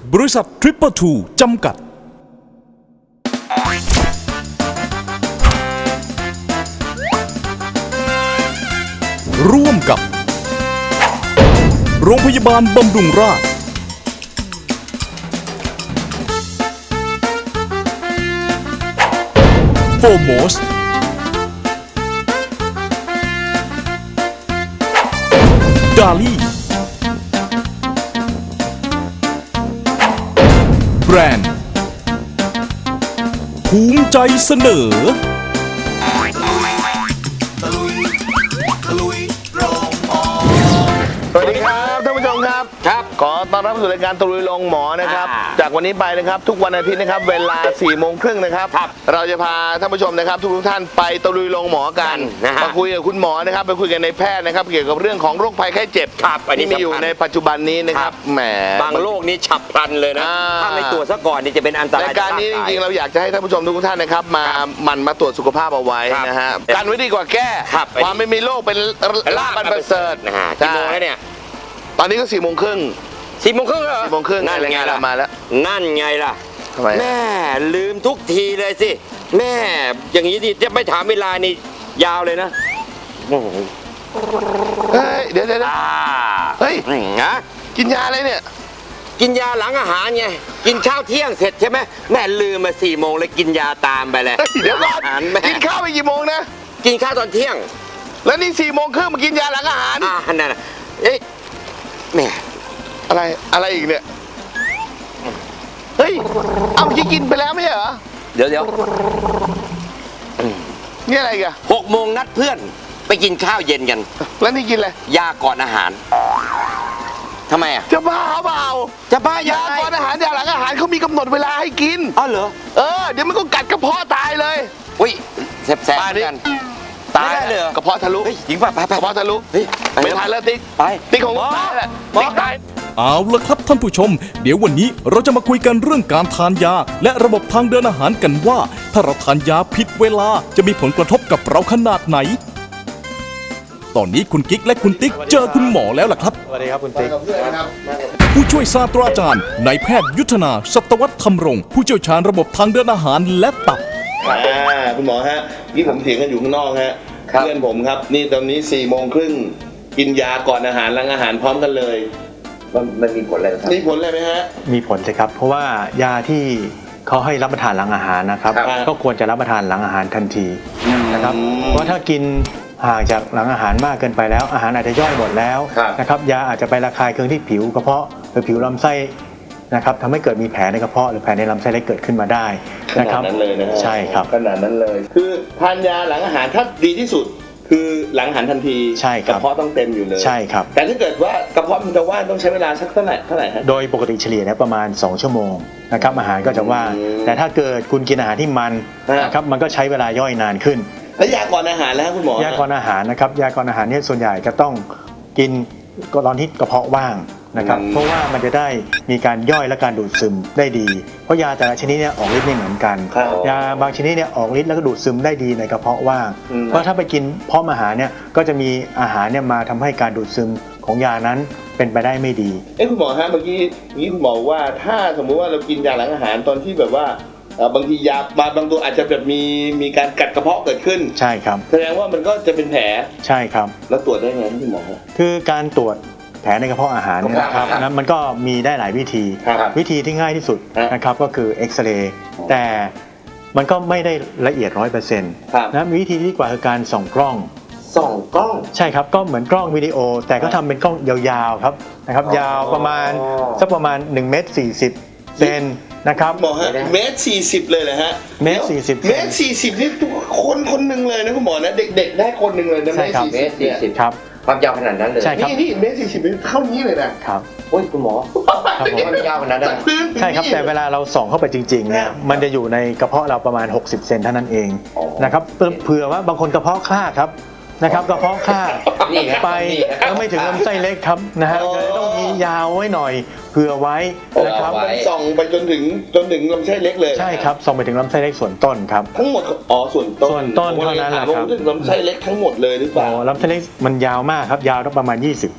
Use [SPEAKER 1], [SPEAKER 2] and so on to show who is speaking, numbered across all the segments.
[SPEAKER 1] บริษัททริปเปอร์ทูจำกัดร่วมกับโรงพยาบาลบำรุงราษฎร์โฟโมสดาลี่แบรนด์ภูมิใจเสนอ
[SPEAKER 2] สวัสดีครับท่านผู้ชมครับขอต้อนรับสู่รายการตะลุยลงหมอนะครับจากวันนี้ไปนะครับทุกวันอาทิตย์นะครับเวลา4 โมงครึ่งนะครับเราจะพาท่านผู้ชมนะครับทุกท่านไปตะลุยลงหมอกันมาคุยกับคุณหมอนะครับไปคุยกันในแพทย์นะครับเกี่ยวกับเรื่องของโรคภัยไข้เจ็บที่มีอยู่ในปัจจุบันนี้นะครับแหม
[SPEAKER 3] บางโรคนี้ฉับพลันเลยนะถ้าไม่ตรวจซะก่อนนี่จะเป็นอันตราย
[SPEAKER 2] รายการนี้จริงๆเราอยากจะให้ท่านผู้ชมทุกท่านนะครับมาตรวจสุขภาพเอาไไว้นะฮะกันไว้ดีกว่าแก้ความไม่มีโรคเป็นลาภอันประเสริฐ
[SPEAKER 3] กี่โมงแล้วเนี่ย
[SPEAKER 2] ตอนนี้ก็4 โมงครึ่ง
[SPEAKER 3] 4 โมงครึ่งเหรอ
[SPEAKER 2] 4 โมงครึ่ง
[SPEAKER 3] นั่นไงล่ะ
[SPEAKER 2] มาแล้ว
[SPEAKER 3] นั่นไงล่ะ
[SPEAKER 2] ทำไม
[SPEAKER 3] แม่ลืมทุกทีเลยสิแม่อย่างนี้ดิจะไม่ถามเวลานี่ยาวเลยนะ
[SPEAKER 2] เฮ้ยเดี๋ยวเฮ้ย
[SPEAKER 3] นะ
[SPEAKER 2] กินยาอะไรเนี่ย
[SPEAKER 3] กินยาหลังอาหารไงกินเช้าเที่ยงเสร็จใช่ไหมแม่ลืมมา4 โมงเลยกินยาตามไปเลย
[SPEAKER 2] เดี๋ยวก่อนกินข้าวไปกี่โมงนะ
[SPEAKER 3] กินข้าวตอนเที่ยง
[SPEAKER 2] แล้วนี่4 โมงครึ่งมากินยาหลังอาหาร
[SPEAKER 3] นั่นน่ะเอ๊ะแม่
[SPEAKER 2] อะไรอีกเนี่ยเฮ้ยเอาเมื่อกี้กินไปแล้วไม่ใช่เหรอ
[SPEAKER 3] เดี๋ยว
[SPEAKER 2] นี่อะไรกัน
[SPEAKER 3] 6 โมงนัดเพื่อนไปกินข้าวเย็นกัน
[SPEAKER 2] แล้วนี่กินอะไร
[SPEAKER 3] ยาก่อนอาหารทำไมอ่ะ
[SPEAKER 2] จะบ้าเปล่า
[SPEAKER 3] จะบ้าย
[SPEAKER 2] าก่อนอาหารยาหลังอาหารเขามีกำหนดเวลาให้กิน
[SPEAKER 3] อ๋อเหรอ
[SPEAKER 2] เดี๋ยวมันก็กัดกระเพาะตายเลย
[SPEAKER 3] อุ้ยแสบกัน
[SPEAKER 2] ตายเลยกระเพาะทะลุ
[SPEAKER 3] จริงป่ะไป
[SPEAKER 2] กระเพาะทะลุไม่ทันแล้วติ๊กของตายแหละติ๊กตาย
[SPEAKER 1] เอาละครับท่านผู้ชมเดี๋ยววันนี้เราจะมาคุยกันเรื่องการทานยาและระบบทางเดินอาหารกันว่าถ้าเราทานยาผิดเวลาจะมีผลกระทบกับเราขนาดไหนตอนนี้คุณกิ๊กและคุณติ๊กเจอคุณหมอแล้วล่ะครับ
[SPEAKER 2] สวัสดีครับคุณติ๊ก
[SPEAKER 1] ผู้ช่วยศาสตราจารย์นายแพทย์ยุทธนาสัตวัฒน์ธรรมรงค์ผู้เชี่ยวชาญระบบทางเดินอาหารและตับ
[SPEAKER 2] คุณหมอฮะนี่ผมเถียงกันอยู่ข้างนอกฮะเพื่อนผมครับนี่ตอนนี้4 โมงครึ่งกินยาก่อนอาหารหลังอาหารพร้อมกันเลย
[SPEAKER 3] มันมีผลอะไรครับ
[SPEAKER 2] มีผลอะไรไหมฮะ
[SPEAKER 4] มีผลสิครับเพราะว่ายาที่เขาให้รับประทานหลังอาหารนะครับก็ควรจะรับประทานหลังอาหารทันทีนะครับเพราะถ้ากินห่างจากหลังอาหารมากเกินไปแล้วอาหารอาจจะย่อยหมดแล้วนะครับยาอาจจะไประคายเคืองที่ผิวกระเพาะหรือผิวลำไส้นะครับทำให้เกิดมีแผลในกระเพาะหรือแผลในลำไส้เล็กเกิดขึ้นมาได้
[SPEAKER 2] นะครับขนาดนั้นเลยนะ
[SPEAKER 4] ใช่ครับ
[SPEAKER 2] ขนาดนั้นเลยคือทานยาหลังอาหารถ้าดีที่สุดคือหลังอาหารทันที
[SPEAKER 4] ใช่ครับ
[SPEAKER 2] กระเพาะต้องเต็มอยู่เลย
[SPEAKER 4] ใช่ครับ
[SPEAKER 2] แต่ถ้าเกิดว่ากระเพาะมันจะว่างต้องใช้เวลาสักเท่าไหร่ฮะ
[SPEAKER 4] โดยปกติเฉลี่ยแล้วประมาณ2 ชั่วโมงนะครับอาหารก็จะว่างแต่ถ้าเกิดคุณกินอาหารที่มันนะครับมันก็ใช้เวลาย่อยนานขึ้น
[SPEAKER 2] แล้วยาก่อนอาหารแล้วคุณหมอย
[SPEAKER 4] าก่อนอาหารนะครับยาก่อนอาหารเนี่ยส่วนใหญ่จะต้องกินตอนที่กระเพาะว่างนะครับเพราะว่ามันจะได้มีการย่อยและการดูดซึมได้ดีเพราะยาแต่ละชนิดเนี่ยออกฤทธิ์ไม่เหมือนกันยาบางชนิดเนี่ยออกฤทธิ์แล้วก็ดูดซึมได้ดีในกระเพาะว่างเพราะถ้าไปกินพร้อมอาหารเนี่ยก็จะมีอาหารเนี่ยมาทำให้การดูดซึมของยานั้นเป็นไปได้ไม่ดี
[SPEAKER 2] คุณหมอฮะเมื่อกี้คุณหมอว่าถ้าสมมุติว่าเรากินยาหลังอาหารตอนที่แบบว่าบางทียาบางตัวอาจจะแบบมีการกัดกระเพาะเกิดขึ้น
[SPEAKER 4] ใช่ครับ
[SPEAKER 2] แสดงว่ามันก็จะเป็นแผล
[SPEAKER 4] ใช่ครับ
[SPEAKER 2] แล้วตรวจได้ไงคุณหมอ
[SPEAKER 4] คือการตรวจแผลในกระเพาะอาหารเนี่ยนะครับนะมันก็มีได้หลายวิธีที่ง่ายที่สุดนะครับก็คือเอ็กซเรย์แต่มันก็ไม่ได้ละเอียด 100% นะวิธีที่ดีกว่าคือการส่องกล้องใช่ครับก็เหมือนกล้องวิดีโอแต่ก็ทำเป็นกล้องยาวๆครับนะครับยาวประมาณสักประมาณ1.40 เมตรนะครับ
[SPEAKER 2] หมอฮะ1.40 เมตรเลยเหรอฮะ
[SPEAKER 4] 1.40
[SPEAKER 2] เมตร 40นี่คนหนึ่งเลยนะคุณหมอนะเด็กๆได้คนหนึ่งเลยนะ
[SPEAKER 3] 1.40 ครับความยาวขนาดนั้นเลย
[SPEAKER 4] ใช่ครับ
[SPEAKER 2] นี่1.40 เท่านี้เลยนะครับ
[SPEAKER 3] โอ้ยคุณหมอความยาวขนาดนั้น
[SPEAKER 4] ใช่ครับแต่เวลาเราส่องเข้าไปจริงๆเนี่ยมันจะอยู่ในกระเพาะเราประมาณ60 เซนเท่านั้นเองนะครับเผื่อว่าบางคนกระเพาะคลาดครับนะครับกระเพาะคลาดไปแล้วไม่ถึงลำไส้เล็กครับนะฮะเลยต้องมียาวไว้หน่อยเผื่อไว้นะครับ
[SPEAKER 2] ส่องไปจนถึงลำไส้เล็กเลย
[SPEAKER 4] ใช่ครับส่องไปถึงลำไส้เล็กส่วนต้นครับ
[SPEAKER 2] ทั้งหมดส่วนต้น
[SPEAKER 4] เท่านั้นแหละครับ
[SPEAKER 2] ลำไส้เล็กทั้งหมดเลยหรือเปล่า
[SPEAKER 4] ลำไส้เล็กมันยาวมากครับยาวประมาณ20 ฟุต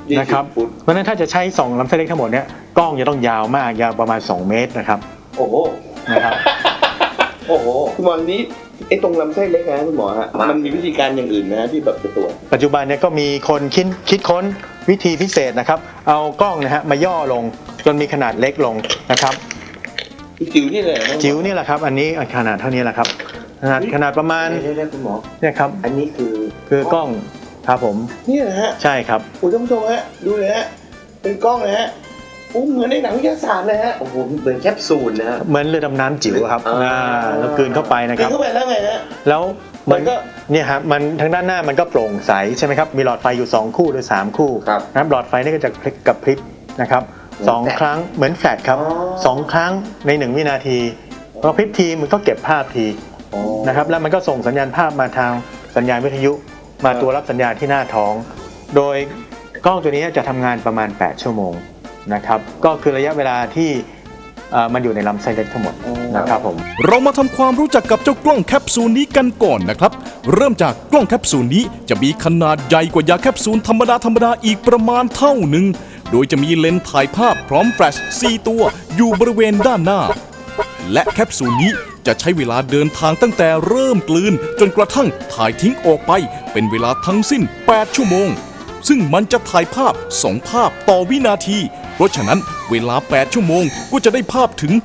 [SPEAKER 4] นะครับ
[SPEAKER 2] ฟุต
[SPEAKER 4] เพราะฉะนั้นถ้าจะใช้2ลำไส้เล็กทั้งหมดเนี่ยกล้องจะต้องยาวมากยาวประมาณ2 เมตรนะครับ
[SPEAKER 2] โอ้โห
[SPEAKER 4] นะครับ
[SPEAKER 2] โอ้โหคุณหมอทีนี้ไอ้ตรงลำไส้เล็กนะคุณหมอฮะมันมีวิธีการอย่างอื่นนะที่แบบจะตรวจ
[SPEAKER 4] ปัจจุบันเนี่ยก็มีคนคิดค้นวิธีพิเศษนะครับเอากล้องนะฮะมาย่อลงจนมีขนาดเล็กลงนะครับ
[SPEAKER 2] จิ๋วนี่เลยนะ
[SPEAKER 4] จิ๋วนี่แหละครับอันนี้ขนาดเท่านี้แหละครับขนาดประมาณ
[SPEAKER 3] เดี๋ยวคุณหมอ
[SPEAKER 4] เนี่ยครับ
[SPEAKER 3] อันนี้
[SPEAKER 4] คือกล้องครับผม
[SPEAKER 2] นี่นะฮะ
[SPEAKER 4] ใช่ครับ
[SPEAKER 2] คุณท่านผู้ชมฮะดูเลยฮะเป็นกล้องเลยฮะเหมือนในหนังวิทยาศาสตร์เลยฮะ
[SPEAKER 3] โอ้โหเหมือนแคปซูลนะฮะ
[SPEAKER 4] เหมือนเรือดำน้ำจิ๋วครับแล้วกลืนเข้าไปนะค
[SPEAKER 2] กิน
[SPEAKER 4] รับ
[SPEAKER 2] เข้าไปแล้วไงฮะ
[SPEAKER 4] แล้ว
[SPEAKER 2] มันก็
[SPEAKER 4] เนี่ยครับมันทางด้านหน้ามันก็โปร่งใสใช่ไหมครับมีหลอดไฟอยู่2คู่หรือ3คู่นะครับหลอดไฟนี่ก็จะกระพริบนะครับ2 ครั้งเหมือนแฟลชครับ2 ครั้งใน1 วินาทีพอพริบทีมันก็เก็บภาพทีนะครับแล้วมันก็ส่งสัญญาณภาพมาทางสัญญาณวิทยุมาตัวรับสัญญาณที่หน้าท้อง โดยกล้องตัวนี้จะทำงานประมาณ8 ชั่วโมงนะครับก็คือระยะเวลาที่มันอยู่ในลำไส้เล็กทั้งหมดนะครับผม
[SPEAKER 1] เรามาทำความรู้จักกับเจ้ากล้องแคปซูลนี้กันก่อนนะครับ เริ่มจากกล้องแคปซูลนี้จะมีขนาดใหญ่กว่ายาแคปซูลธรรมดาอีกประมาณเท่าหนึ่งโดยจะมีเลนส์ถ่ายภาพพร้อมแฟลช4 ตัวอยู่บริเวณด้านหน้า และแคปซูลนี้จะใช้เวลาเดินทางตั้งแต่เริ่มกลืนจนกระทั่งถ่ายทิ้งออกไปเป็นเวลาทั้งสิ้น8 ชั่วโมงซึ่งมันจะถ่ายภาพ2 ภาพต่อวินาทีเพราะฉะนั้นเวลา8 ชั่วโมงก็จะได้ภาพถึง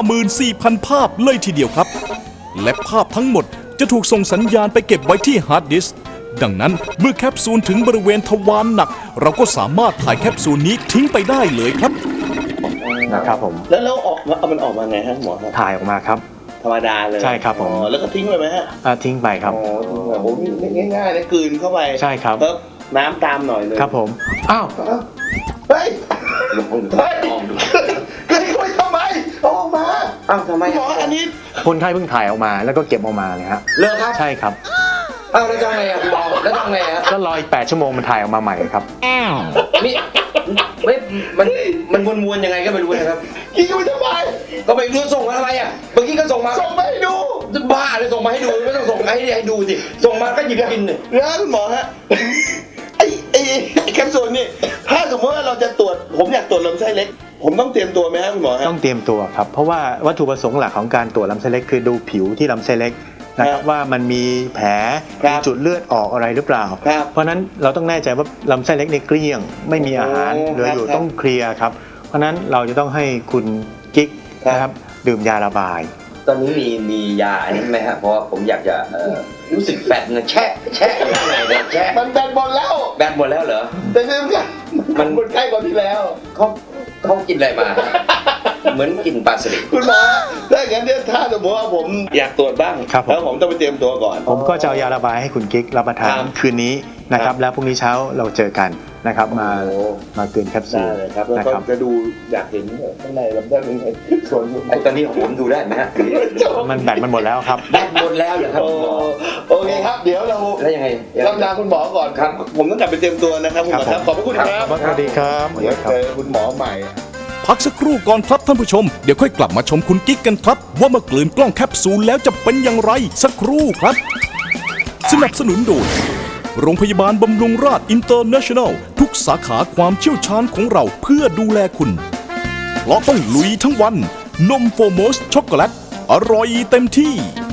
[SPEAKER 1] 54,000 ภาพเลยทีเดียวครับและภาพทั้งหมดจะถูกส่งสัญญาณไปเก็บไว้ที่ฮาร์ดดิสก์ดังนั้นเมื่อแคปซูลถึงบริเวณทวารหนักเราก็สามารถถ่ายแคปซูลนี้ทิ้งไปได้เลยครับ
[SPEAKER 4] นะครับผม
[SPEAKER 2] แล้วออกมาเอามันออกมาไงฮะหมอครับ
[SPEAKER 4] ถ่ายออกมาครับ
[SPEAKER 2] ธรรมดาเลย
[SPEAKER 4] ใช่ครับผม
[SPEAKER 2] แล้วก็ทิ้งไปไหมฮะ
[SPEAKER 4] ทิ้งไปครับ
[SPEAKER 2] อ๋อทิ้งไปโอ้โหนี่ง่ายๆนะกลืนเข้าไป
[SPEAKER 4] ใช่ครับ
[SPEAKER 2] แล้วน้ำตามหน่อยนึง
[SPEAKER 4] ครับผมอ้าว
[SPEAKER 2] เฮ้ย
[SPEAKER 3] ลองดู
[SPEAKER 2] เฮ้ยกลืนเข้าไปทำไมเอาออกมา
[SPEAKER 3] อ้าวทำไม
[SPEAKER 2] หมออันนี้
[SPEAKER 4] คนไข้เพิ่งถ่ายออกมาแล้วก็เก็บออกมาเลยฮะ
[SPEAKER 3] เลิกครับ
[SPEAKER 4] ใช่ครับ
[SPEAKER 3] อ้าวแล้วทำไงอ่ะคุณหมอแล้วทำไงอ่ะ
[SPEAKER 4] ก็รออีก8 ชั่วโมงมันถ่ายออกมาใหม่ครับ
[SPEAKER 3] นี่ไม่มันวนๆยังไงก็ไม่รู้นะครับ
[SPEAKER 2] กินเข้าไปทำไม
[SPEAKER 3] ก็ไปดูส่งมาทำไมอ่ะเมื่อกี้ก็ส่งมา
[SPEAKER 2] ส่งมาให้ดู
[SPEAKER 3] บ้าเลยส่งมาให้ดูไม่ต้องส่งให้ดูสิส่งมาก็หยิบกินเลย
[SPEAKER 2] นะคุณหมอฮะไอ้แคปซูลนี่ถ้าสมมติว่าเราจะตรวจผมอยากตรวจลำไส้เล็ก ผมต้องเตรียมตัวไหมฮะคุณหมอฮะ
[SPEAKER 4] ต้องเตรียมตัวครับ เพราะว่าวัตถุประสงค์หลักของการตรวจลำไส้เล็กคือดูผิวที่ลำไส้เล็กนะครับว่ามันมีแผลมีจุดเลือดออกอะไรหรือเปล่า เพราะฉะนั้นเราต้องแน่ใจว่าลำไส้เล็กในเกลี้ยงไม่มีอาหารเหลืออยู่ต้องเคลียร์ครับเพราะฉะนั้นเราจะต้องให้คุณกิ๊กนะครับดื่มยาระบาย
[SPEAKER 3] ตอนนี้มียาอันนี้ไหมฮะเพราะว่าผมอยากจะรู้สึกแฟตนะแช่อยู่ข้างในนะแช่
[SPEAKER 2] มันแบนบอลแล้ว
[SPEAKER 3] แบนหมดแล้วเหรอ
[SPEAKER 2] แต่เรื่องกันมันใกล้กว่าที่แล้ว
[SPEAKER 3] เขากินอะไรมา เหมือนกินปลาสลิด
[SPEAKER 2] คุณหมอถ้าอย่างนั้นเนี่ยถ้าสมมติว่าผมอยากตรวจบ้าง
[SPEAKER 4] ครับผม
[SPEAKER 2] แล้วผมต้องไปเตรียมตัวก่อน
[SPEAKER 4] ผมก็จะเอายาระบายให้คุณกิ๊กรับประทาน
[SPEAKER 2] ครับ
[SPEAKER 4] คืนนี้นะค
[SPEAKER 2] ครั
[SPEAKER 4] รับบ แล้วพรุ่งนี้เช้าเราเจอกันนะครับมา
[SPEAKER 2] โอ้
[SPEAKER 4] เกินแคปซู
[SPEAKER 2] ได้
[SPEAKER 4] ล
[SPEAKER 2] เลยครับแล้ว
[SPEAKER 4] นะ
[SPEAKER 2] ก็
[SPEAKER 4] ครับ
[SPEAKER 2] จะดูอยากเห็นข้างในลำไส้เป็นไงส่วน
[SPEAKER 3] ไอ้ตอนนี้ของผมดูได้ไหมฮะ
[SPEAKER 4] มันแบตมันหมดแล้วครับ
[SPEAKER 3] แบนหมดแล้วเหรอครับ
[SPEAKER 2] โอ้
[SPEAKER 3] คุณหมอ
[SPEAKER 2] โอเคครับ เดี๋ยวเรา
[SPEAKER 3] แล้วยังไง
[SPEAKER 2] เราลาคุณหมอก่อนครับ ผมต้องกลับไปเตรียมตัวนะครับคุณหมอครับขอบพระคุณครับ
[SPEAKER 4] สวัสดีครับ
[SPEAKER 2] เดี๋ยวเจอคุณหมอใหม่
[SPEAKER 1] พักสักครู่ก่อนครับท่านผู้ชมเดี๋ยวค่อยกลับมาชมคุณกิ๊กกันครับ ว่าเมื่อกลืนกล้องแคปซูลแล้วจะเป็นอย่างไรสักครู่ครับ สนับสนุนโดยโรงพยาบาลบำรุงราษฎร์อินเตอร์เนชั่นแนลทุกสาขาความเชี่ยวชาญของเราเพื่อดูแลคุณเพราะต้องลุยทั้งวันนมโฟโมสช็อกโกแลตอร่อยเต็มที่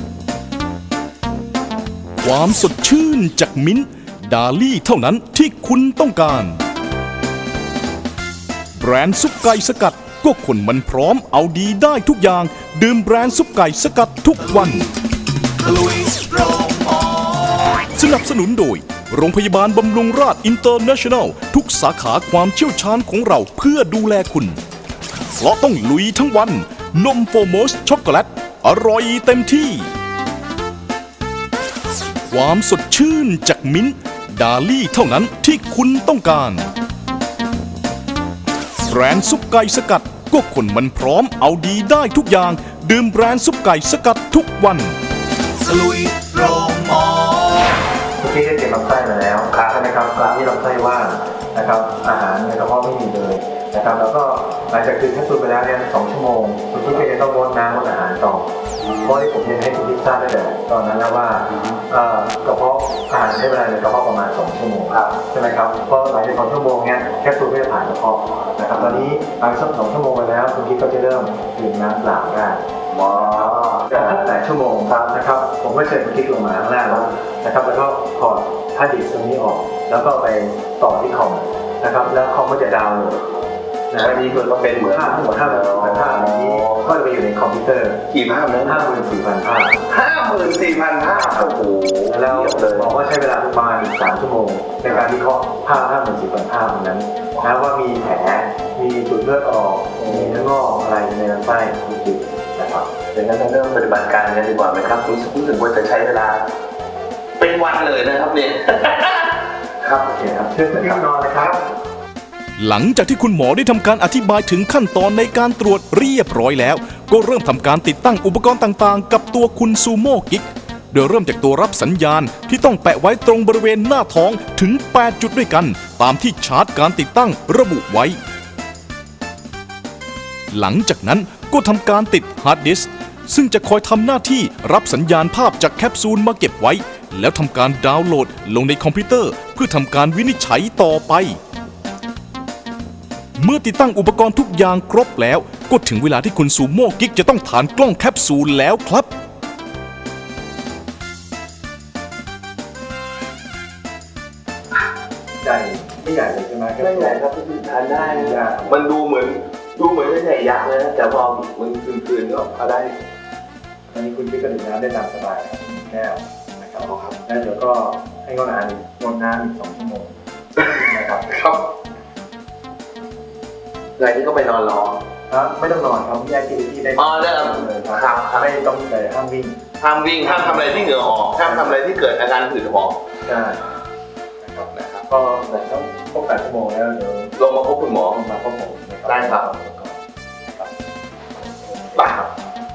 [SPEAKER 1] ความสดชื่นจากมิ้นท์ดาลี่เท่านั้นที่คุณต้องการแบรนด์ซุปไก่สกัดก็คนมันพร้อมเอาดีได้ทุกอย่างดื่มแบรนด์ซุปไก่สกัดทุกวันสนับสนุนโดยโรงพยาบาลบำรุงราษฎร์อินเตอร์เนชั่นแนลทุกสาขาความเชี่ยวชาญของเราเพื่อดูแลคุณเพราะต้องลุยทั้งวันนมโฟโมสช็อกโกแลตอร่อยเต็มที่ความสดชื่นจากมิ้นท์ดาลี่เท่านั้นที่คุณต้องการแบรนด์ซุปไก่สกัดก็คนมันพร้อมเอาดีได้ทุกอย่างดื่มแบรนด์ซุปไก่สกัดทุกวัน
[SPEAKER 4] ที่ได้เก็บลำไส้มาแล้วใช่ไหมครับร้านที่ลำไส้ว่างนะครับอาหารในกระเพาะไม่มีเลยนะครับนะครับแล้วก็หลังจากกินแคปซูลไปแล้วเนี่ย2 ชั่วโมงคุณพี่ก็จะต้องงดน้ำงดอาหารต่อเพราะที่ผมเรียนให้คุณพี่ทราบได้แต่ตอนนั้นแล้วว่ากระเพาะอาหารใช้เวลาในกระเพาะประมาณ2 ชั่วโมงใช่ไหมครับเพราะหลังจาก2 ชั่วโมงเนี่ยแคปซูลก็จะผ่านกระเพาะนะครับตอนนี้หลังจาก2 ชั่วโมงไปแล้วคุณพี่ก็จะเริ่มดื่มน้ำเปล่าได้จาก8 ชั่วโมงครับนะครับผมก็เชิญคุณพี่ลงมาข้างล่างแล้วนะครับแล้วก็ถอดฮาร์ดดิสก์ตรงนี้ออกแล้วก็ไปต่อที่คอมนะครับแล้วคอมก็จะดาวน์โหลดอันนี้มันก็เป็นเหมือนภาพทั้งหมดภาพอันนี้ก็จะไปอยู่ในคอมพิวเตอร์
[SPEAKER 2] กี่ภาพนะ
[SPEAKER 4] 54,000 ภาพ
[SPEAKER 2] 54,000 ภาพโอ้โห
[SPEAKER 4] แล้วบอกว่าใช้เวลาประมาณ3 ชั่วโมงในการวิเคราะห์ภาพ 54,000 ภาพนั้นนะว่ามีแผลมีจุดเลือดออกมีเนื้องอกอะไรในลำไส้จริงๆนะครับ
[SPEAKER 2] ดังนั้นเราเริ่มปฏิบัติการกันดีกว่าไหมครับรู้สึกว่าจะใช้เวลาเป็นวันเลยนะครับเนี่ย
[SPEAKER 4] ครับโอเคครับเชิญคุณนอนนะครับ
[SPEAKER 1] หลังจากที่คุณหมอได้ทำการอธิบายถึงขั้นตอนในการตรวจเรียบร้อยแล้วก็เริ่มทำการติดตั้งอุปกรณ์ต่างๆกับตัวคุณซูโม่กิ๊กโดยเริ่มจากตัวรับสัญญาณที่ต้องแปะไว้ตรงบริเวณหน้าท้องถึง8 จุดด้วยกันตามที่ชาร์ตการติดตั้งระบุไว้หลังจากนั้นก็ทำการติดฮาร์ดดิสก์ซึ่งจะคอยทำหน้าที่รับสัญญาณภาพจากแคปซูลมาเก็บไว้แล้วทำการดาวน์โหลดลงในคอมพิวเตอร์เพื่อทำการวินิจฉัยต่อไปเมื่อติดตั้งอุปกรณ์ทุกอย่างครบแล้วก็ถึงเวลาที่คุณซูโม่กิ๊กจะต้องฐานกล้องแคปซูลแล้วครับ
[SPEAKER 4] ใหญ่ไม่ใหญ่เลยใช่ไหม
[SPEAKER 2] ไม่ใหญ่ครับพี่ทานได้มันดูเหมือนจะใหญ่ยักษ์เลยนะแต่พอมันคืนก็เอาได้
[SPEAKER 4] อันนี้คุณพี่ก็ดื่มน้ำได้ตามสบายครับ1 แก้วนะครับแล้วเดี๋ยวก็ให้งดน้ำอีก2 ชั่วโมงนะครับ
[SPEAKER 2] ครับหลังจากนี้ก็ไปนอนรอ
[SPEAKER 4] ไม่ต้องนอนครับแยกที่ได้
[SPEAKER 2] ได้
[SPEAKER 4] เลยครับไม่ต้องแต่ห้ามวิ่ง
[SPEAKER 2] ห้ามทำอะไรที่เหงื่อออกห้ามทำอะไรที่เกิดอาการผื่นหอบ
[SPEAKER 4] ใช่นะครับก็ต้องครบ8 ชั่วโมงแล้วเดี๋ยว
[SPEAKER 2] ลงมาพบคุณหมอ
[SPEAKER 4] มาพบผม
[SPEAKER 2] ได้ครับไปครับ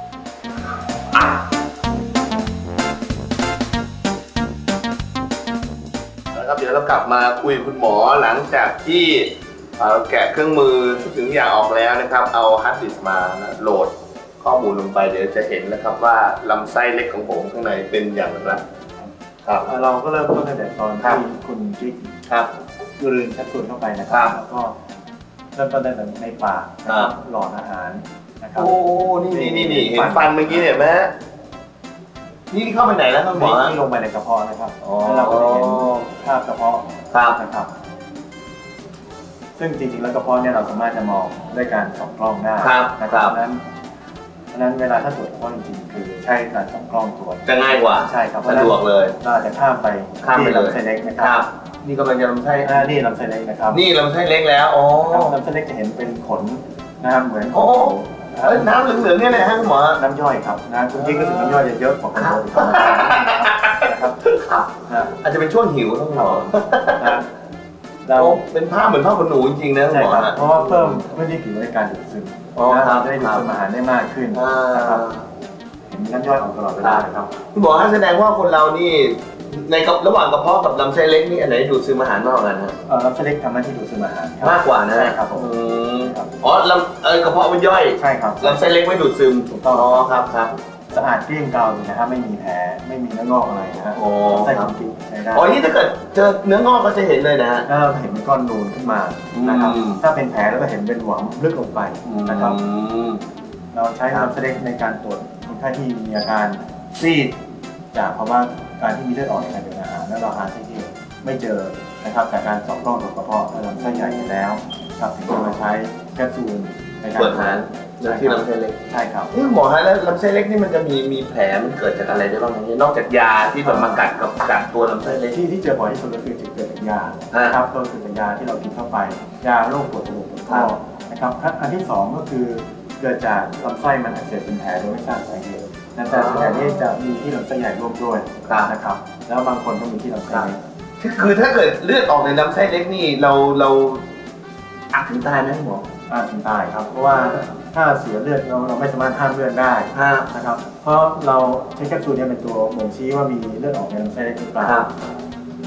[SPEAKER 2] นะครับเดี๋ยวเรากลับมาคุยกับคุณหมอหลังจากที่เราแกะเครื่องมือทุกสิ่งทุกอย่างออกแล้วนะครับเอาฮาร์ดดิสก์มาโหลดข้อมูลลงไปเดี๋ยวจะเห็นนะครับว่าลำไส้เล็กของผมข้างในเป็นอย่างไร
[SPEAKER 4] ครับเราก็เริ่มต้นตั้งแต่ตอนที่คุณจิ๊กกลืนแคปซูลเข้าไปนะครับแล้วก็เริ่มต้นตั้งแต่ในปากหลอดอาหารนะครับ
[SPEAKER 2] โอ้นี่เห็นฟันเมื่อกี้เห็นไหมนี่เข้าไปไหนแล้วครับหมอ
[SPEAKER 4] นี่ลงไปในกระเพาะนะครับแล้วเราก็จะเห็นภาพกระเพาะนะครับซึ่งจริงๆแล้วกระเพาะเนี่ยเราสามารถจะมองด้วยการส่องกล้องได้นะครับเพราะฉะนั้นเวลาถ้าตรวจกระเพาะจริงๆคือใช้การส่องกล้องตรวจ
[SPEAKER 2] จะง่ายกว่า
[SPEAKER 4] ใช่ครับ
[SPEAKER 2] สะดวกเลย
[SPEAKER 4] เราจะข้ามไปที่ลำไส้เล็กนะครับ
[SPEAKER 2] นี่กำลังจะลำไส้
[SPEAKER 4] นี่ลำไส้เล็กนะครับ
[SPEAKER 2] นี่ลำไส้เล็กแล้วอ๋อ
[SPEAKER 4] ลำไส้เล็กจะเห็นเป็นขนนะครับเหมือน
[SPEAKER 2] น้ำเหลืองๆนี่แหละฮะคุณหมอ
[SPEAKER 4] น้ำย่อยครับนะคุณจิ๊กก็ถึงน้ำย่อยเยอะกว่าคนอื่น
[SPEAKER 2] นะครับอาจจะเป็นช่วงหิวทั้งหมดเราเป็นผ้าเหมือนผ้าขนหนูจริงๆนะคุณหมอ
[SPEAKER 4] เพราะว่าเพิ่มพื้นที่ผิวในการดูดซึมจะได้ดูดซึมอาหารได้มากขึ้นนะครับเห็นน้ำย่อยของตลอดเวลาครับ
[SPEAKER 2] คุณหมอแสดงว่าคนเรานี่ในระหว่างกระเพาะกับลำไส้เล็กนี่อันไหนดูดซึมอาหารมากกว่ากันฮะ
[SPEAKER 4] ลำไส้เล็กทำหน้าที่ดูดซึมอาหาร
[SPEAKER 2] มากกว่านะ
[SPEAKER 4] ใช่ครับผม
[SPEAKER 2] อ๋อกระเพาะมันย่อย
[SPEAKER 4] ใช่ครับ
[SPEAKER 2] ลำไส้เล็กไม่ดูดซึม
[SPEAKER 4] ถูกต้อง
[SPEAKER 2] อ๋อครับ
[SPEAKER 4] สะอาดเกลี้ยงเกลาเลยนะครับไม่มีแผลไม่มีเนื้องอกอะไรนะฮะไส้ของกินใช้ได้
[SPEAKER 2] อ๋อนี่ถ้าเกิดเจอเนื้องอกก็จะเห็นเลยนะฮะ
[SPEAKER 4] เราเห็นเป็นก้อนนูนขึ้นมานะครับถ้าเป็นแผลแล้วก็เห็นเป็นหวมลึกลงไปนะครับเราใช้ลำไส้เล็กในการตรวจคนไข้ที่มีอาการซีดจากภาวะการที่มีเลือดออกในการดื่มอาหารแล้วเราหาที่ไม่เจอนะครับจากการส่องกล้องตรวจกระเพาะลำไส้ใหญ่ไปแล้วครับถึงจะมาใช้แคปซูลในการ
[SPEAKER 2] ตรวจหาที่ลำไส้เล็ก
[SPEAKER 4] ใช่ครับ
[SPEAKER 2] นี่หมอฮะแล้วลำไส้เล็กนี่มันจะมีแผลมันเกิดจากอะไรได้บ้างนอกจากยาที่แบบมากัดตัวลำไส้เล็ก
[SPEAKER 4] ที่เจอบ่อยที่สุดก็คือเกิดจากยาครับก็คือจากยาที่เรากินเข้าไปยาโรคปวดจมูกปวดคอนะครับอันที่2ก็คือเกิดจากลำไส้มันอักเสบเป็นแผลโดยไม่ทราบสาเหตุแต่ส่วนใหญ่นี่จะมีที่ลำไส้ใหญ่ร่วมด้วยนะครับแล้วบางคนก็มีที่ลำไส้เล็ก
[SPEAKER 2] คือถ้าเกิดเลือดออกในลำไส้เล็กนี่เราอาจถึงตายไหมหมอ
[SPEAKER 4] ถึงตายครับเพราะว่าถ้าเสียเลือดเราไม่สามารถห้ามเลือดได้นะครับเพราะเราใช้แคปซูลเนี่ยเป็นตัวบ่งชี้ว่ามีเลือดออกในลำไส้เล็กหรือเปล่า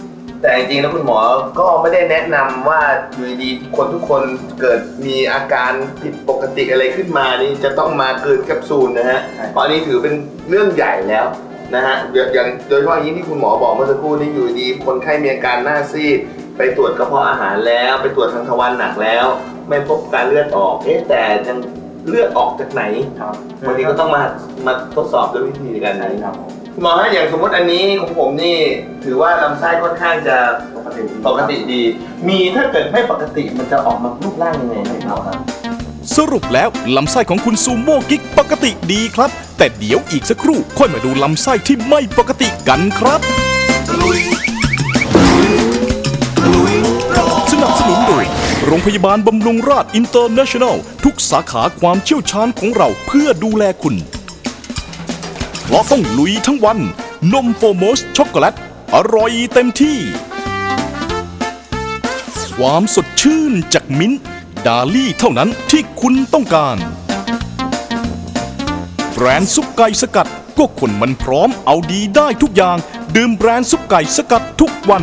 [SPEAKER 2] แต่จริงๆแล้วคุณหมอก็ไม่ได้แนะนำว่าอยู่ดีๆคนทุกคนเกิดมีอาการผิดปกติอะไรขึ้นมานี่จะต้องมากลืนแคปซูลนะฮะเพราะอันนี้ถือเป็นเรื่องใหญ่แล้วนะฮะอย่างโดยเฉพาะอย่างนี้ที่คุณหมอบอกเมื่อสักครู่นี้อยู่ดีคนไข้มีอาการหน้าซีดไปตรวจกระเพาะอาหารแล้วไปตรวจทางทวารหนักแล้วไม่พบการเลือดออกแต่ยังเลือดออกจากไหนวันนี้ก็ต้องมาทดสอบด้วยวิธีการไหนครับหมอฮะอย่างสมมติอันนี้ของผมนี่ถือว่าลำไส้ค่อนข้างจะปกติดีมีถ้าเกิดไม่ปกติมันจะออกมารูปร่างยังไงครับ
[SPEAKER 1] สรุปแล้วลำไส้ของคุณซูโม่กิ๊กปกติดีครับ แต่เดี๋ยวอีกสักครู่ค่อยมาดูลำไส้ที่ไม่ปกติกันครับ สนับสนุนโดยโรงพยาบาลบำรุงราษฎร์อินเตอร์เนชั่นแนลทุกสาขาความเชี่ยวชาญของเราเพื่อดูแลคุณเพราะต้องลุยทั้งวันนมโฟโมสช็อกโกแลตอร่อยเต็มที่ ความสดชื่นจากมิ้นท์ดาลี่เท่านั้นที่คุณต้องการแบรนด์ซุปไก่สกัดก็คนมันพร้อมเอาดีได้ทุกอย่างดื่มแบรนด์ซุปไก่สกัดทุกวัน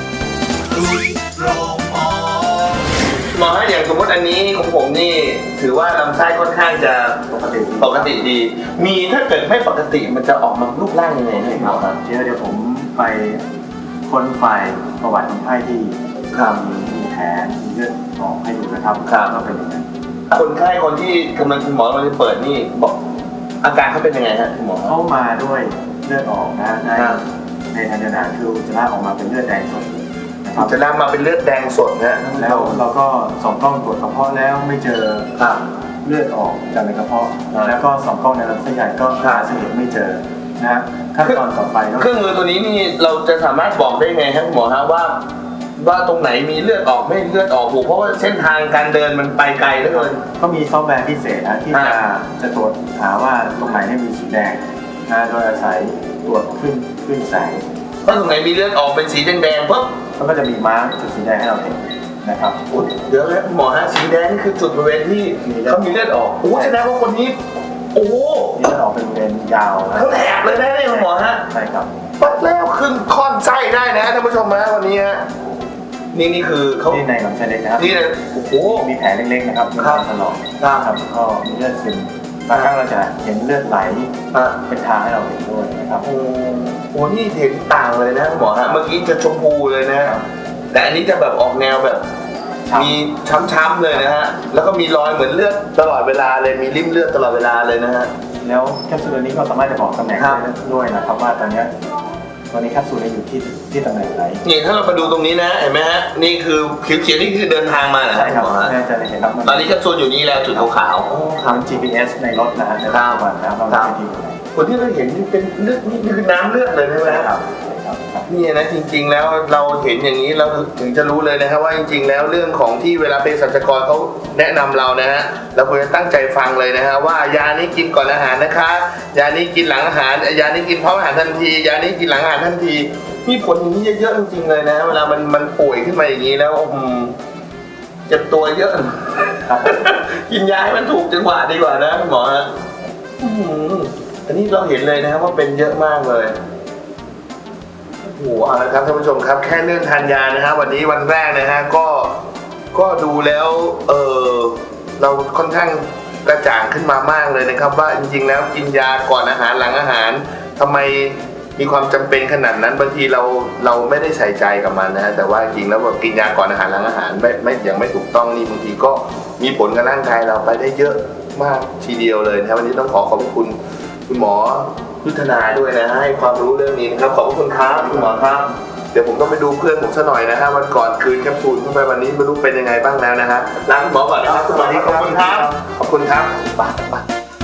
[SPEAKER 2] หมอฮะอย่างสมมติอันนี้ของผมนี่ถือว่าลำไส้ค่อนข้างจะปกติดี มีถ้าเกิดไม่ปกติมันจะออกมารูปร่างยังไงครับ
[SPEAKER 4] เดี๋ยวผมไปค้นไฟล์ประวัติคนไข้ที่มีแผลมีเลือดออกให้ดูนะครับก็เป็นอย่างนั้น
[SPEAKER 2] คนไข้คนที่กำลังคุณหมอกำลังจะเปิดนี่บอกอาการเขาเป็นยังไงฮะคุณหมอ
[SPEAKER 4] เข้ามาด้วยเลือดออกนะในทางเดินอาหารคืออุจจาระออกมาเป็นเลือดแดงสดนะครับ
[SPEAKER 2] จะนำมาเป็นเลือดแดงสดนะ
[SPEAKER 4] แล้วเราก็ส่องกล้องตรวจกระเพาะแล้วไม่เจอเลือดออกจากในกระเพาะแล้วก็ส่องกล้องในลำไส้ใหญ่ก็หาสาเหตุไม่เจอนะขั้นตอนต่อไปก็
[SPEAKER 2] เครื่องมือตัวนี้นี่เราจะสามารถบอกได้ไงครับคุณหมอฮะว่าตรงไหนมีเลือดออกไม่เลือดออกเพราะว่าเส้นทางการเดินมันไปไกลเหลือเกิน
[SPEAKER 4] ก็มีซอฟต์แวร์พิเศษนะที่จะตรวจหาว่าตรงไหนมีสีแดงนะโดยอาศัยตรวจขึ้นแสง
[SPEAKER 2] ถ้าตรงไหนมีเลือดออกเป็นสีแดงๆปุ๊บ
[SPEAKER 4] มันก็จะมีมาร์กจุดสีแดงให้เราเห็นนะครับ
[SPEAKER 2] เดี๋ยวแล้วหมอฮะสีแดงนี่คือจุดบริเวณที่เขามีเลือดออกแสดงว่าคนนี้โอ้โห
[SPEAKER 4] มีเลือดออกเป็นบริเวณยาวนะ
[SPEAKER 2] เขาแหลกเลยนะเนี่ยคุณหมอฮะ
[SPEAKER 4] ใช่ครับ
[SPEAKER 2] ปัดแล้วขึ้นค่อนไส้ได้นะท่านผู้ชมนะวันนี้ฮะนี่คือเขา
[SPEAKER 4] ที่ในลำไส้เล็กนะครับ
[SPEAKER 2] นี่เลยโอ้โห
[SPEAKER 4] มีแผลเล็กๆนะครับมีการถลอกครับก็มีเลือดซึมบางครั้งเราจะเห็นเลือดไหลเป็นทางให้เราเห็นด้วยนะครับ
[SPEAKER 2] โอ้โหนี่เห็นต่างเลยนะคุณหมอฮะเมื่อกี้จะชมพูเลยนะแต่อันนี้จะแบบออกแนวแบบมีช้ำๆเลยนะฮะแล้วก็มีรอยเหมือนเลือดตลอดเวลาเลยมีริ่มเลือดตลอดเวลาเลยนะฮะ
[SPEAKER 4] แล้วแคปซูลนี้ก็สามารถจะบอกตำแหน่งได้ด้วยนะครับว่าตอนนี้แคปซูลอยู่ที่ตำแหน่งไหน
[SPEAKER 2] นี่ถ้าเราไปดูตรงนี้นะเห็นไหมฮะนี่คือเขียวๆนี่คือเดินทางมาเหรอ
[SPEAKER 4] ใช่ครับ
[SPEAKER 2] หมอฮะ
[SPEAKER 4] น่าจะเห็นครับ
[SPEAKER 2] ตอนนี้แคปซูลอยู่นี่แล้วจุดขาวๆ
[SPEAKER 4] ทำ GPS ในรถนะฮะในปัจจุบันนะครับเราไม่ดีกว่า
[SPEAKER 2] คนที่เราเห็นนี่เป็นเลือดนี่คือน้ำเลือดเลยใช่ไหมครับนี่นะจริงๆแล้วเราเห็นอย่างนี้เราถึงจะรู้เลยนะครับว่าจริงๆแล้วเรื่องของที่เวลาเภสัชกรเขาแนะนำเรานะฮะเราควรจะตั้งใจฟังเลยนะฮะว่ายานี้กินก่อนอาหารนะคะยานี้กินหลังอาหารยานี้กินพร้อมอาหารทันทียานี้กินหลังอาหารทันทีมีผลอย่างนี้เยอะๆจริงๆเลยนะเวลามันป่วยขึ้นมาอย่างนี้แล้วเจ็บตัวเยอะ กินยาให้มันถูกจังหวะดีกว่านะคุณหมอฮะอันนี้เราเห็นเลยนะครับว่าเป็นเยอะมากเลยโอ้โหเอาละครับท่านผู้ชมครับแค่เรื่องทานยานะฮะวันนี้วันแรกนะฮะก็ดูแล้วเราค่อนข้างกระจ่างขึ้นมามากเลยนะครับว่าจริงๆแล้วกินยาก่อนอาหารหลังอาหารทำไมมีความจำเป็นขนาดนั้นบางทีเราไม่ได้ใส่ใจกับมันนะฮะแต่ว่าจริงแล้วแบบกินยาก่อนอาหารหลังอาหารไม่อย่างไม่ถูกต้องนี่บางทีก็มีผลกับร่างกายเราไปได้เยอะมากทีเดียวเลยนะครับวันนี้ต้องขอบคุณคุณหมอยุทธนาด้วยนะให้ความรู้เรื่องนี้นะครับขอบคุณครับคุณหมอครับเดี๋ยวผมต้องไปดูเพื่อนผมซะหน่อยนะฮะวันก่อนคืนแคปซูลเข้าไปวันนี้ไม่รู้เป็นยังไงบ้างแล้วนะฮะลาคุณหมอก่อนนะครับคุณหมอขอบคุณครับขอบคุณครับไป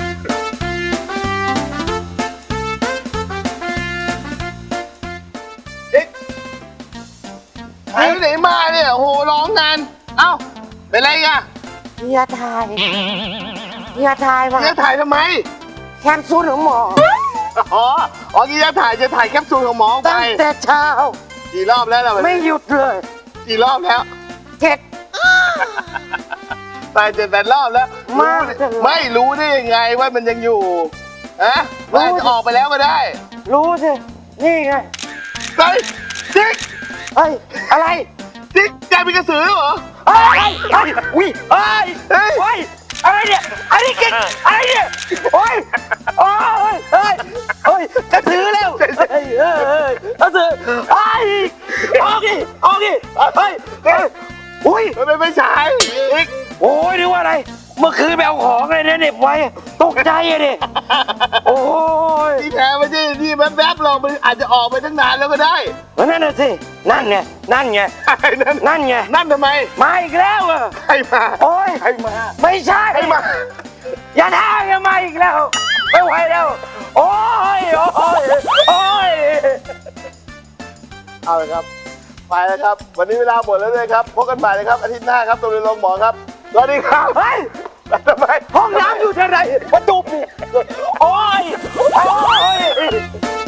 [SPEAKER 2] หายไปไหนมาเนี่ยโหร้องนานเอ้าเป็นไรอ่ะ
[SPEAKER 5] ยาถ่ายยาถ่ายมา
[SPEAKER 2] จะถ่ายทำไม
[SPEAKER 5] แคปซูลของหมอ
[SPEAKER 2] อ๋อนี่จะถ่ายแคปซูลของหมอไป
[SPEAKER 5] ตั้งแต่เช้า
[SPEAKER 2] กี่รอบแล้วล่ะ
[SPEAKER 5] ไม่หยุดเลย
[SPEAKER 2] กี่รอบแล้ว
[SPEAKER 5] 7
[SPEAKER 2] ตาย7-8 รอบแล้ว
[SPEAKER 5] มากจังเลย
[SPEAKER 2] ไม่รู้ได้ยังไงว่ามันยังอยู่ฮะมันอาจจะออกไปแล้วก็ได้
[SPEAKER 5] รู้สิ นี่ไง
[SPEAKER 2] เฮ้ยจิ๊ก
[SPEAKER 5] เฮ้ยอะไร
[SPEAKER 2] นี่แกเป็นกระสือเหรอ
[SPEAKER 5] เฮ้ยเฮ้ยอุ้ยเฮ้ยเฮ้ยอะไรเนี่ยอะไรกินอะไรเนี่ยโอ้ยโอ้ยเฮ้ยเฮ้ยกระสือแล้วเฮ้ยเฮ้ยกระสือไอ้ออกดิออกดิเฮ้ยอุ้ย
[SPEAKER 2] ไม่ใช่อีก
[SPEAKER 5] โอ้ยนึกว่าอะไรเมื่อคืนไปเอาของเลยเนี่ยเหน็บไว้ตกใจอะดิโอ้ย
[SPEAKER 2] ที่แท้ไม่ใช่ที่แวบๆหรอกมันอาจจะออกไปตั้งนานแล้วก็ได้
[SPEAKER 5] นั่นน่ะสินั่นไงนั่นไง นั่นไง
[SPEAKER 2] นั่นทำไม
[SPEAKER 5] มาอีกแล้วอะ
[SPEAKER 2] ใครมา
[SPEAKER 5] โอ้ย
[SPEAKER 2] ใครมา
[SPEAKER 5] ไม่ใช่
[SPEAKER 2] ใครมา
[SPEAKER 5] อย่าท้าอย่ามาอีกแล้วไม่ไหวแล้วโอ้ยโอ้ยโอ้ย
[SPEAKER 2] เอาเลยครับไปแล้วครับ วันนี้เวลาหมดแล้วเลยครับพบกันใหม่นะครับอาทิตย์หน้าครับตรงเรียนลงหมอครับสวัสดีครับ
[SPEAKER 5] เฮ้ย
[SPEAKER 2] ทำไม
[SPEAKER 5] ห้องน้ำอยู่ที่ไหนประตูปิดโอ้ยโอ้ย